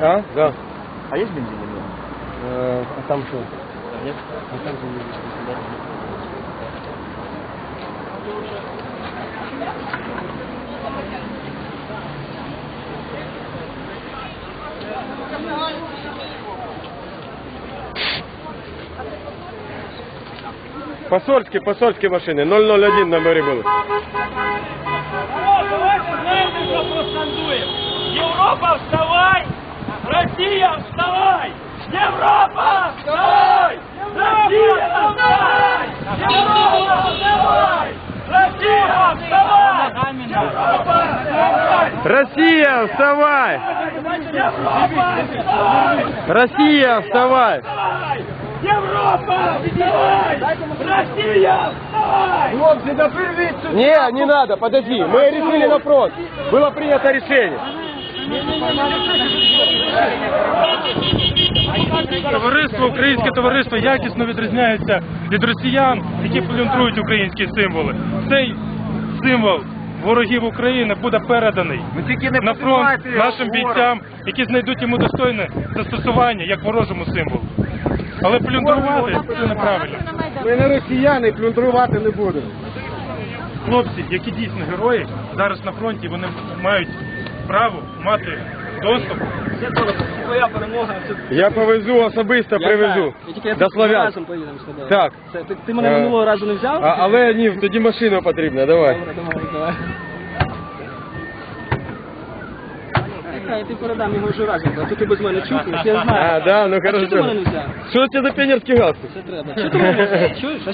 А? Да. А есть бензин или нет? А там что? Нет? А там же не Посольські машини, 001 номери були. Давайте знаєте, що проскандуємо? Європа, вставай! Росія, вставай! Європа, вставай! Росія, вставай! Європа, вставай! Росія, вставай! Європа, вставай! Росія, вставай! Європа, вставай! Росія, вставай! Європа, вставай! Росія, вставай! Хлопцы, да прервите! Не надо, подожди, мы решили вопрос. Было принято решение. Товариство, українське товариство якісно відрізняється від росіян, які плюндрують українські символи. Цей символ ворогів України буде переданий на фронт нашим бійцям, які знайдуть йому достойне застосування як ворожому символу. Але плюндрувати це неправильно. Ми не росіяни, плюндрувати не будемо. Хлопці, які дійсно герої, зараз на фронті, вони мають право мати доступ. Твоя перемога. Я повезу особисто, привезу. До Слов'янська. Разом поїдемо з тобою. Так. Ти мене минулого разу не взяв? Але ні, тоді машина потрібна, давай. Давай. Чекай, ти передам його вже разом, а то ти без мене чухаєш, я знаю. А, да, ну А чого ти мене хорошо. не взяв? Що це за піонерський галстук? Це треба. Що ти мене не взяв? Чуєш?